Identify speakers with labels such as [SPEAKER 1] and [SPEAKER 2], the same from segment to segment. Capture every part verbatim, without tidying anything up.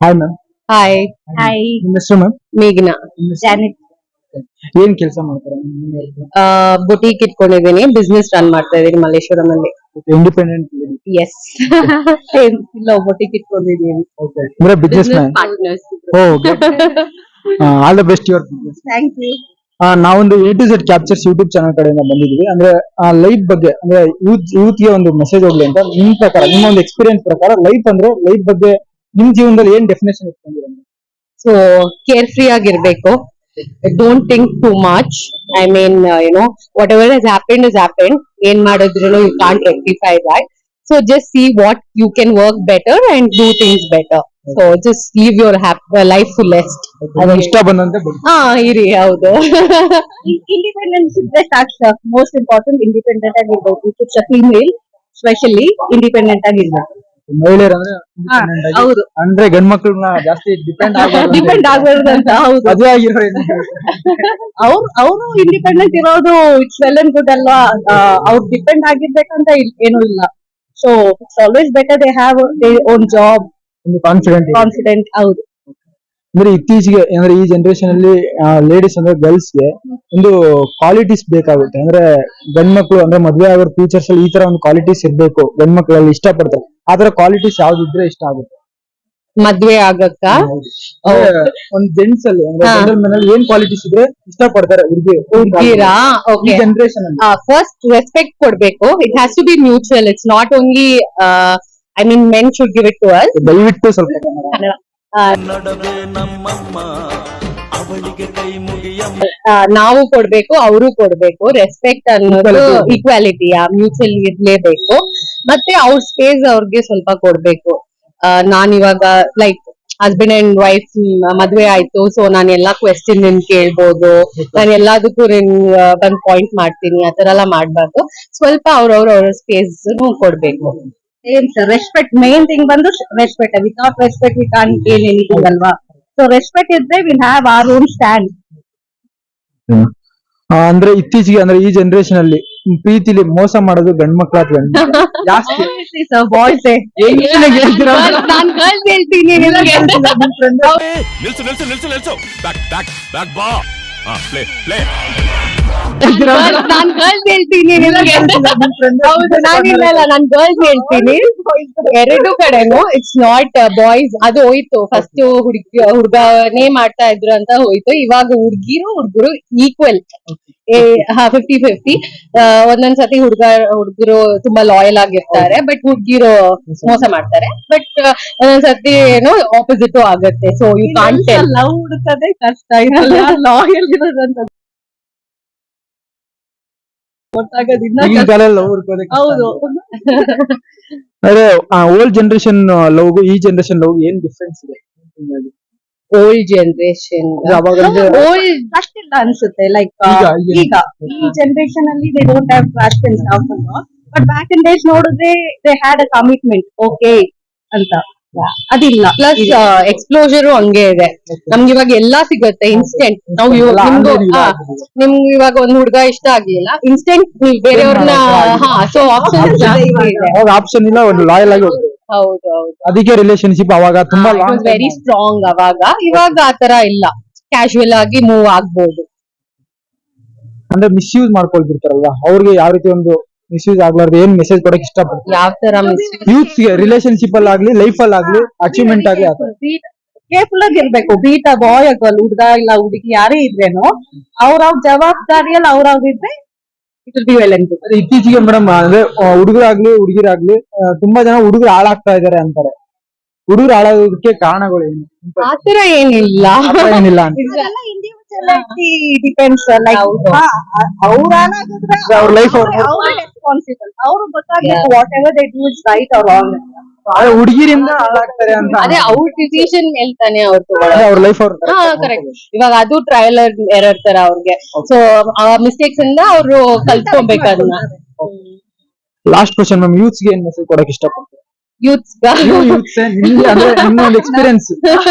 [SPEAKER 1] Hi ma'am.
[SPEAKER 2] Hi.
[SPEAKER 3] Hi,
[SPEAKER 1] ನಿಮ್ಮ ಹೆಸರು ma'am?
[SPEAKER 2] ಮೇಘ್ನಾ.
[SPEAKER 3] Janet.
[SPEAKER 1] ಏನ್ ಕೆಲಸ ಮಾಡ್ತಾರೆ?
[SPEAKER 2] ಬುಟೀಕ್ ಇಟ್ಕೊಂಡಿದ್ದೀನಿ, ಬಿಸ್ನೆಸ್ ರನ್ ಮಾಡ್ತಾ ಇದ್ದೀನಿ ಮಲ್ಲೇಶ್ವರಂ ಅಲ್ಲಿ.
[SPEAKER 1] ಇಂಡಿಪೆಂಡೆಂಟ್.
[SPEAKER 2] ಎಸ್. ಇಲ್ಲ, ಬುಟೀಕ್ ಇಟ್ಕೊಂಡಿದ್ದೀನಿ.
[SPEAKER 1] ಅಂದ್ರೆ businessman.
[SPEAKER 2] Partners.
[SPEAKER 1] All the best your business.
[SPEAKER 3] Thank you.
[SPEAKER 1] ನಾವೊಂದು A to Z captures YouTube channel ಕಡೆಯಿಂದ ಬಂದಿದ್ದೀವಿ. ಅಂದ್ರೆ ಲೈಫ್ ಬಗ್ಗೆ, ಅಂದ್ರೆ ಯೂತ್ ಯೂತ್ ಗೆ ಒಂದು ಮೆಸೇಜ್ ಹೋಗ್ಲಿ ಅಂತ. ನಿಮ್ ಪ್ರಕಾರ, ನಿಮ್ಮ ಒಂದು ಎಕ್ಸ್ಪೀರಿಯನ್ಸ್ ಪ್ರಕಾರ ಲೈಫ್ ಅಂದ್ರೆ ಲೈಫ್ ಬಗ್ಗೆ ನಿಮ್ ಜೀವನದಲ್ಲಿ ಏನ್ ಡೆಫಿನೇಷನ್ ಇಟ್ಕೊಂಡಿರ?
[SPEAKER 2] ಸೊ ಕೇರ್ ಫ್ರೀ ಆಗಿರ್ಬೇಕು. Don't think too much. I mean you know whatever has happened is happened. ಏನ್ ಮಾಡಿದ್ರು you can't rectify that. So just see what you can work better and do things better. So just live your life fullest.
[SPEAKER 1] ಇಷ್ಟ ಬಂದಂತೆ ಬದುಕು.
[SPEAKER 2] ಹಾ, ಇರಿ. ಹೌದು.
[SPEAKER 3] Independence ಇದ್ರೆ ಸಾಕು. ಮೋಸ್ಟ್ ಇಂಪಾರ್ಟೆಂಟ್ ಇಂಡಿಪೆಂಡೆಂಟ್ ಆಗಿರ್ಬೇಕು. It's a female specially independent ಆಗಿರ್ಬೇಕು.
[SPEAKER 1] ಮಹಿಳೆಯರು ಅಂದ್ರೆ
[SPEAKER 3] ಹಾ,
[SPEAKER 1] independent ಆಗಿ,
[SPEAKER 3] ಹೌದು.
[SPEAKER 1] ಅಂದ್ರೆ ಗಂಡ್ ಮಕ್ಳನ್ನ ಜಾಸ್ತಿ ಡಿಪೆಂಡ್
[SPEAKER 3] ಡಿಪೆಂಡ್ ಆಗಬಾರ್ದು ಅಂತ. ಹೌದು.
[SPEAKER 1] ಮದುವೆ ಆಗಿರೋ
[SPEAKER 3] ಅವ್ರು ಅವರು ಇಂಡಿಪೆಂಡೆಂಟ್ ಇರೋದು ಇಟ್ಸ್ ವೆಲ್ ಅಂಡ್ ಗುಡ್ ಅಲ್ವಾ. ಅವ್ರು ಡಿಪೆಂಡ್ ಆಗಿರ್ಬೇಕಂತ ಇಲ್- ಏನೂ ಇಲ್ಲ. So it's always better they have they own job,
[SPEAKER 1] ಒಂದು ಕಾನ್ಫಿಡೆಂಟ್.
[SPEAKER 3] ಕಾನ್ಫಿಡೆಂಟ್. ಹೌದು.
[SPEAKER 1] ಅಂದ್ರೆ ಇತ್ತೀಚೆಗೆ ಅಂದ್ರೆ ಈ ಜನರೇಷನ್ ಅಲ್ಲಿ ಲೇಡೀಸ್ ಅಂದ್ರೆ ಗರ್ಲ್ಸ್ ಗೆ ಒಂದು ಕ್ವಾಲಿಟೀಸ್ ಬೇಕಾಗುತ್ತೆ. ಅಂದ್ರೆ ಗಂಡ್ ಮಕ್ಳು ಅಂದ್ರೆ ಮದ್ವೆ ಆಗೋ ಫ್ಯೂಚರ್ಸ್ ಅಲ್ಲಿ ಈ ತರ ಒಂದು ಕ್ವಾಲಿಟೀಸ್ ಇರ್ಬೇಕು, ಗಂಡ್ ಮಕ್ಳಲ್ಲಿ ಇಷ್ಟ ಪಡ್ತಾರೆ. ಆ ತರ ಕ್ವಾಲಿಟೀಸ್ ಯಾವ್ದಿದ್ರೆ ಇಷ್ಟ ಆಗುತ್ತೆ?
[SPEAKER 2] ಮದ್ವೆ ಆಗಕ್ಕ
[SPEAKER 1] ಅಂದ್ರೆ ಒಂದ್ ಜೆಂಟ್ಸ್ ಅಲ್ಲಿ ಅಂದ್ರೆ
[SPEAKER 2] ಹಾ.
[SPEAKER 1] ಜನರಲ್ ಅಲ್ಲಿ ಏನ್ ಕ್ವಾಲಿಟೀಸ್ ಇದ್ರೆ ಇಷ್ಟ ಪಡ್ತಾರೆ ಹುಡುಗಿ
[SPEAKER 2] ಹುಡ್ಗಿರಾ?
[SPEAKER 1] ಈ
[SPEAKER 2] ಓಕೆ.
[SPEAKER 1] ಜನರೇಷನ್ ಅಲ್ಲಿ?
[SPEAKER 2] ಫಸ್ಟ್ ರೆಸ್ಪೆಕ್ಟ್ ಕೊಡ್ಬೇಕು. It has to be mutual. It's not only I mean men should give it to us.
[SPEAKER 1] ದಯವಿಟ್ಟು ಸ್ವಲ್ಪ
[SPEAKER 4] ನಡವೆ ನಮ್ಮಮ್ಮ ಅವಳಿಗೆ ಕೈ ಮುಗಿಯಮ್ಮ.
[SPEAKER 2] ನಾವು ಕೊಡ್ಬೇಕು, ಅವರು ಕೊಡ್ಬೇಕು. ರೆಸ್ಪೆಕ್ಟ್ ಅನ್ನೋದು
[SPEAKER 1] Equality.
[SPEAKER 2] ಈಕ್ವಾಲಿಟಿ ಮ್ಯೂಚುವಲ್ ಇರ್ಲೇಬೇಕು. ಮತ್ತೆ ಅವ್ರ ಸ್ಪೇಸ್ ಅವ್ರಿಗೆ ಸ್ವಲ್ಪ ಕೊಡ್ಬೇಕು. ಆ, ನಾನ್ ಇವಾಗ ಲೈಕ್ ಹಸ್ಬೆಂಡ್ ಅಂಡ್ ವೈಫ್ ಮದ್ವೆ ಆಯ್ತು, ಸೊ ನಾನು ಎಲ್ಲಾ ಕ್ವೆಶ್ಚನ್ ನಿನ್ ಕೇಳ್ಬೋದು, ನಾನು ಎಲ್ಲದಕ್ಕೂ ನಿನ್ ಬಂದ್ ಪಾಯಿಂಟ್ ಮಾಡ್ತೀನಿ, ಆತರ ಎಲ್ಲ ಮಾಡ್ಬಾರ್ದು. ಸ್ವಲ್ಪ ಅವ್ರವ್ರ ಅವ್ರ ಸ್ಪೇಸ್ ಕೊಡ್ಬೇಕು.
[SPEAKER 3] ಏನ್ ಸರ್, ರೆಸ್ಪೆಕ್ಟ್ ಮೇನ್ ಥಿಂಗ್ ಬಂದು respect. Without respect we can't gain anything ಅಲ್ವಾ. ಸೊ ರೆಸ್ಪೆಕ್ಟ್ ಇದ್ರೆ will have our own stand.
[SPEAKER 1] ಆ, ಅಂದ್ರೆ ಇತ್ತೀಚೆಗೆ ಅಂದ್ರೆ ಈ ಜನರೇಷನ್ ಅಲ್ಲಿ ಪ್ರೀತಿಲಿ ಮೋಸ ಮಾಡೋದು ಗಂಡ್ ಮಕ್ಳ ಅಥವಾ ಹೆಣ್ಣ್ ಮಕ್ಳ? ಜಾಸ್ತಿ
[SPEAKER 3] ಬಾಯ್ಸ್
[SPEAKER 1] ಏನ್ ಹೇಳ್ತೀರಾ?
[SPEAKER 2] ನಾನ್ ಗರ್ಲ್ಸ್ ಹೇಳ್ತೀನಿ.
[SPEAKER 4] ನಿಲ್ಸು ನಿಲ್ಸು ನಿಲ್ಸು ನಿಲ್ಸು ಬ್ಯಾಕ್ ಬ್ಯಾಕ್ ಬ್ಯಾಕ್ ಬಾ. ಹಾ, ಪ್ಲೇ ಪ್ಲೇ.
[SPEAKER 2] ನಾನ್ ಗರ್ಲ್ಸ್ ಹೇಳ್ತೀನಿ. ಹೌದು, ನಾನಿಲ್ಲ ಇಲ್ಲ, ನಾನ್ ಗರ್ಲ್ಸ್ ಹೇಳ್ತೀನಿ. ಎರಡು ಕಡೆನು ಇಟ್ಸ್ ನಾಟ್ ಬಾಯ್ಸ್. ಅದು ಹೋಯ್ತು. ಫಸ್ಟ್ ಹುಡುಗಿ ಹುಡ್ಗನೇ ಮಾಡ್ತಾ ಇದ್ರು ಅಂತ ಹೋಯ್ತು. ಇವಾಗ ಹುಡ್ಗಿರು ಹುಡ್ಗರು ಈಕ್ವಲ್, ಫಿಫ್ಟಿ ಫಿಫ್ಟಿ. ಒಂದೊಂದ್ಸತಿ ಹುಡ್ಗ ಹುಡ್ಗರು ತುಂಬಾ ಲಾಯಲ್ ಆಗಿರ್ತಾರೆ, ಬಟ್ ಹುಡ್ಗಿರು ಮೋಸ ಮಾಡ್ತಾರೆ. ಬಟ್ ಒಂದೊಂದ್ಸತಿ ಏನೋ ಆಪೋಸಿಟ್ ಆಗತ್ತೆ. So you can't tell.
[SPEAKER 3] Love ಹುಡುಕದೆ ಕಷ್ಟ. ಲಾಯಲ್ ಇರೋದಂತ ಗೊತ್ತಾಗೋದಿನ್ನ
[SPEAKER 1] ಈಗಿನ
[SPEAKER 3] ಕಷ್ಟ.
[SPEAKER 1] ಕಾಲದಲ್ಲಿ love ಹುಡ್ಕೋದೇ ಕಷ್ಟ.
[SPEAKER 3] ಹೌದು.
[SPEAKER 1] ಅಂದ್ರೆ ಓಲ್ಡ್ ಜನರೇಷನ್ ಲವ್ ಈ ಜನರೇಷನ್ ಲವ್ ಏನ್ ಡಿಫ್ರೆನ್ಸ್ ಇದೆ?
[SPEAKER 2] ಓಲ್ಡ್ ಜನರೇಷನ್
[SPEAKER 1] ಅವಾಗ ಅಂದ್ರೆ
[SPEAKER 2] ಓಲ್ಡ್
[SPEAKER 3] ಅಷ್ಟಿಲ್ಲ ಅನ್ಸುತ್ತೆ. ಲೈಕ್
[SPEAKER 1] ಈಗ, ಈಗ.
[SPEAKER 3] ಈಗ ಈ ಜನರೇಷನ್ ಅಲ್ಲಿ they don't have trust in love ಅಲ್ವಾ. ಬಟ್ ಬ್ಯಾಕ್ ಇನ್ ಡೇಸ್ ನೋಡಿದ್ರೆ they had a commitment okay ಅಂತ. ಅದಿಲ್ಲ.
[SPEAKER 2] ಪ್ಲಸ್ ಎಕ್ಸ್ಪ್ಲೋಜರ್ ಹಂಗೆ ಇದೆ. ನಮ್ಗೆ ಇವಾಗ ಎಲ್ಲಾ ಸಿಗುತ್ತೆ ಇನ್ಸ್ಟೆಂಟ್. ನಾವು ಇವಾಗ ನಿಮ್ಗೂ ಹಾ, ನಿಮ್ಗೆ ಇವಾಗ ಒಂದ್ ಹುಡ್ಗ ಇಷ್ಟ ಆಗ್ಲಿಲ್ಲ, ಇನ್ಸ್ಟೆಂಟ್ ನೀವು ಬೇರೆಯವ್ರನ್ನ ಹಾ, ಸೊ ಆಪ್ಷನ್ ಜಾಸ್ತಿ ಇದೆ.
[SPEAKER 1] ಅವಾಗ ಆಪ್ಷನ್ ಇಲ್ಲ, ಒಂದು ಲಾಯಲ್ ಆಗಿ ಹೋಗ್ಬೇಕು.
[SPEAKER 2] ಹೌದು ಹೌದು.
[SPEAKER 1] ಅದಕ್ಕೆ ರಿಲೇಶನ್ಶಿಪ್ ಅವಾಗ ತುಂಬಾ ಲಾಂಗ್
[SPEAKER 2] ವೆರಿ ಸ್ಟ್ರಾಂಗ್ ಅವಾಗ. ಇವಾಗ ಆತರ ಇಲ್ಲ, ಕ್ಯಾಶುವಲ್ ಆಗಿ ಮೂವ್ ಆಗ್ಬೋದು.
[SPEAKER 1] ಅಂದ್ರೆ ಮಿಸ್ಯೂಸ್ ಮಾಡ್ಕೊಳ್ತಿರ್ತಾರಲ್ವಾ, ಅವ್ರಿಗೆ ಯಾವ ರೀತಿ ಒಂದು ಮಿಸ್ಯೂಸ್ ಆಗ್ಲಾರ್ದು ಏನ್ ಮೆಸೇಜ್ ಕೊಡಕ್ ಇಷ್ಟಪಡ್ತಾರೆ
[SPEAKER 2] ಯಾವ ತರ
[SPEAKER 1] ಯೂತ್ ಗೆ? ರಿಲೇಶನ್ಶಿಪ್ ಅಲ್ಲಿ ಆಗ್ಲಿ, ಲೈಫ್ ಅಲ್ಲಿ ಆಗ್ಲಿ, ಅಚೀವ್ಮೆಂಟ್ ಆಗ್ಲಿ ಆತರ
[SPEAKER 3] ಕೇರ್ಫುಲ್ ಆಗಿರ್ಬೇಕು. ಬೀಟ ಬಾಯ್ ಆಗಲ್ ಹುಡ್ಗ ಇಲ್ಲ ಹುಡುಗಿ ಯಾರೇ ಇದ್ರೇನು ಅವ್ರವ್ರ ಜವಾಬ್ದಾರಿಯಲ್ಲಿ ಅವ್ರವ್ರ ಇದ್ರೆ it will be well and good.
[SPEAKER 1] ಅದೇ ಇತ್ತೀಚೆಗೆ ಮೇಡಮ್ ಅಂದ್ರೆ ಹುಡುಗರಾಗ್ಲಿ ಹುಡುಗಿರಾಗ್ಲಿ ತುಂಬಾ ಜನ ಹುಡುಗರು ಹಾಳಾಗ್ತಾ ಇದಾರೆ ಅಂತಾರೆ. ಹುಡುಗರು ಹಾಳಾಗೋದಕ್ಕೆ ಕಾರಣಗಳು ಏನು?
[SPEAKER 2] ಆತರ ಏನಿಲ್ಲ.
[SPEAKER 1] ಆ ಥರ ಏನಿಲ್ಲ ಅಂತ.
[SPEAKER 3] ಇದೆಲ್ಲ ಇಂಡಿವಿಜುವಾಲಿಟಿ ಡಿಪೆಂಡ್ಸ್. ಲೈಕ್
[SPEAKER 1] ಹೌದು.
[SPEAKER 3] ಅವ್ರ
[SPEAKER 1] ಅವ್ರ life ಅವ್ರು
[SPEAKER 3] ರೆಸ್ಪಾನ್ಸಿಬಲ್. ಅವ್ರು ಗೊತ್ತಾಗ್ಬೇಕು whatever they do is right or wrong.
[SPEAKER 1] ಆದ್ರೆ ಹುಡುಗಿರಿಂದ ಹಾಳಾಗ್ತಾರೆ ಅಂತ
[SPEAKER 2] ಅದೇ ಅವ್ರ ಡಿಸಿಷನ್ ಹೇಳ್ತಾನೆ ಅವ್ರು
[SPEAKER 1] ಅದೇ ಅವ್ರ ಲೈಫ್ ಅವ್ರು
[SPEAKER 2] ಹಾ, ಕರೆಕ್ಟ್. ಇವಾಗ ಅದು ಟ್ರಯಲ್ ಎರರ್ ತರ ಅವ್ರಿಗೆ. ಸೊ ಆ ಮಿಸ್ಟೇಕ್ಸ್ ಇಂದ ಅವರು ಕಲ್ತ್ಕೊಬೇಕು ಅದನ್ನ.
[SPEAKER 1] ಲಾಸ್ಟ್ ಕ್ವಶನ್ ಮ್ಯಾಮ್, ಯೂತ್ಸ್ ಗೆ ಏನ್ ಮೆಸೇಜ್ ಕೊಡಕ್ ಇಷ್ಟಪಡ್ತಾರೆ?
[SPEAKER 2] ಯೂತ್ಸ್
[SPEAKER 1] ಯೂತ್ಸ್ ನಿಮ್ಗೆ ಅಂದ್ರೆ ನಿಮ್ಮ ಒಂದು ಎಕ್ಸ್ಪೀರಿಯನ್ಸ್.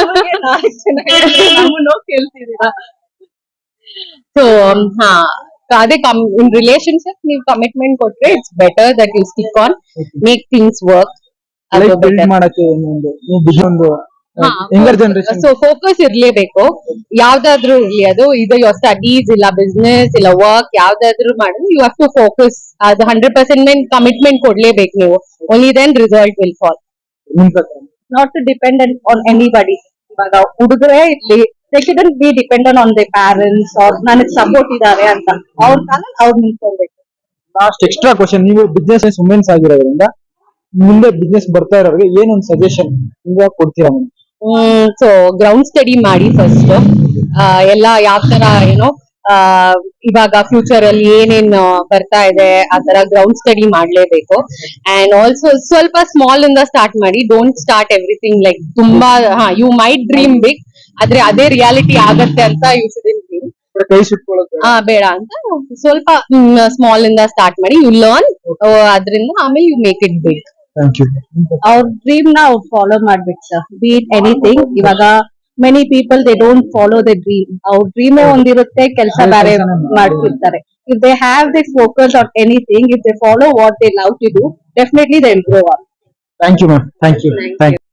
[SPEAKER 2] ಸೊ ಹಾ, ಅದೇ ಇನ್ ರಿಲೇಶನ್ಶಿಪ್ ನೀವು ಕಮಿಟ್ಮೆಂಟ್ ಕೊಟ್ರೆ it's better that you stick on, make things work.
[SPEAKER 1] Life build ಮಾಡಕ್ಕೆ ಒಂದು ಒಂದು ಯಂಗರ್ ಜನರೇಷನ್
[SPEAKER 2] ಸೊ ಫೋಕಸ್ ಇರ್ಲೇಬೇಕು, ಯಾವ್ದಾದ್ರು ಇರ್ಲಿ, ಅದು ಇದು ಯೋರ್ ಸ್ಟಡೀಸ್ ಇಲ್ಲ ಬಿಸ್ನೆಸ್ ಇಲ್ಲ ವರ್ಕ್ ಯಾವ್ದಾದ್ರು ಮಾಡಿದ್ರೆ ಯು ಹ್ಯಾವ್ ಟು ಫೋಕಸ್. ಅದು ಹಂಡ್ರೆಡ್ ಪರ್ಸೆಂಟ್ ಕಮಿಟ್ಮೆಂಟ್ ಕೊಡ್ಲೇಬೇಕು ನೀವು, only then result will fall.
[SPEAKER 1] ನಿಮ್ ಪ್ರಕಾರ
[SPEAKER 3] not to dependent on anybody. ಇವಾಗ ಹುಡುಗರೇ ಇರ್ಲಿ, they shouldn't be dependent on they parents ಅವ್ರ ನನಗ್ ಸಪೋರ್ಟ್ ಇದಾರೆ ಅಂತ ಅವ್ರ ಕಾಲ ಅವ್ರು ನಿಂತ್ಕೊಳ್ಬೇಕು.
[SPEAKER 1] ಲಾಸ್ಟ್ ಎಕ್ಸ್ಟ್ರಾ ಕ್ವಶನ್, ನೀವು ಬಿಸ್ನೆಸ್ ವುಮೆನ್ಸ್ ಆಗಿರೋದ್ರಿಂದ ಮುಂದೆ ಬಿಸ್ನೆಸ್ ಬರ್ತಾ ಇರೋರಿಗೆ ಏನೊಂದು ಸಜೆಷನ್ ಈಗ ಕೊಡ್ತೀರಾ?
[SPEAKER 2] ಹ್ಮ್ ಸೊ ಗ್ರೌಂಡ್ ಸ್ಟಡಿ ಮಾಡಿ ಫಸ್ಟ್, ಎಲ್ಲ ಯಾವ ತರ ಏನೋ ಆ ಇವಾಗ ಫ್ಯೂಚರ್ ಅಲ್ಲಿ ಏನೇನ್ ಬರ್ತಾ ಇದೆ ಆ ತರ ಗ್ರೌಂಡ್ ಸ್ಟಡಿ ಮಾಡ್ಲೇಬೇಕು. ಅಂಡ್ ಆಲ್ಸೋ ಸ್ವಲ್ಪ ಸ್ಮಾಲ್ ಇಂದ ಸ್ಟಾರ್ಟ್ ಮಾಡಿ, ಡೋಂಟ್ ಸ್ಟಾರ್ಟ್ ಎವ್ರಿಥಿಂಗ್ ಲೈಕ್ ತುಂಬಾ. ಹಾ, ಯು ಮೈಟ್ ಡ್ರೀಮ್ ಬಿಗ್, ಆದ್ರೆ ಅದೇ ರಿಯಾಲಿಟಿ ಆಗತ್ತೆ ಅಂತ ಯು ಶುಡಂಟ್ ಡ್ರೀಮ್.
[SPEAKER 1] ಕೈ ಸುಟ್ಕೊಳ್ಳೋದು
[SPEAKER 2] ಹಾ ಬೇಡ ಅಂತ ಸ್ವಲ್ಪ ಸ್ಮಾಲ್ ಇಂದ ಸ್ಟಾರ್ಟ್ ಮಾಡಿ, ಯು ಲರ್ನ್ ಅದ್ರಿಂದ ಆಮೇಲೆ you make it big.
[SPEAKER 1] Thank you.
[SPEAKER 3] ಅವ್ರ ಡ್ರೀಮ್ ನ ಅವ್ರು ಫಾಲೋ ಮಾಡ್ಬೇಕು ಸರ್, ಬಿ ಇಟ್ ಎನಿಥಿಂಗ್. ಇವಾಗ many people they don't follow the dream. ಅವ್ರ ಡ್ರೀಮ್ ಒಂದಿರುತ್ತೆ, ಕೆಲಸ ಬೇರೆ ಮಾಡ್ತಿರ್ತಾರೆ. If they have they focus on anything, if they follow what they love to do, definitely they will grow up.
[SPEAKER 1] Thank you ma'am. Thank you. Thank you.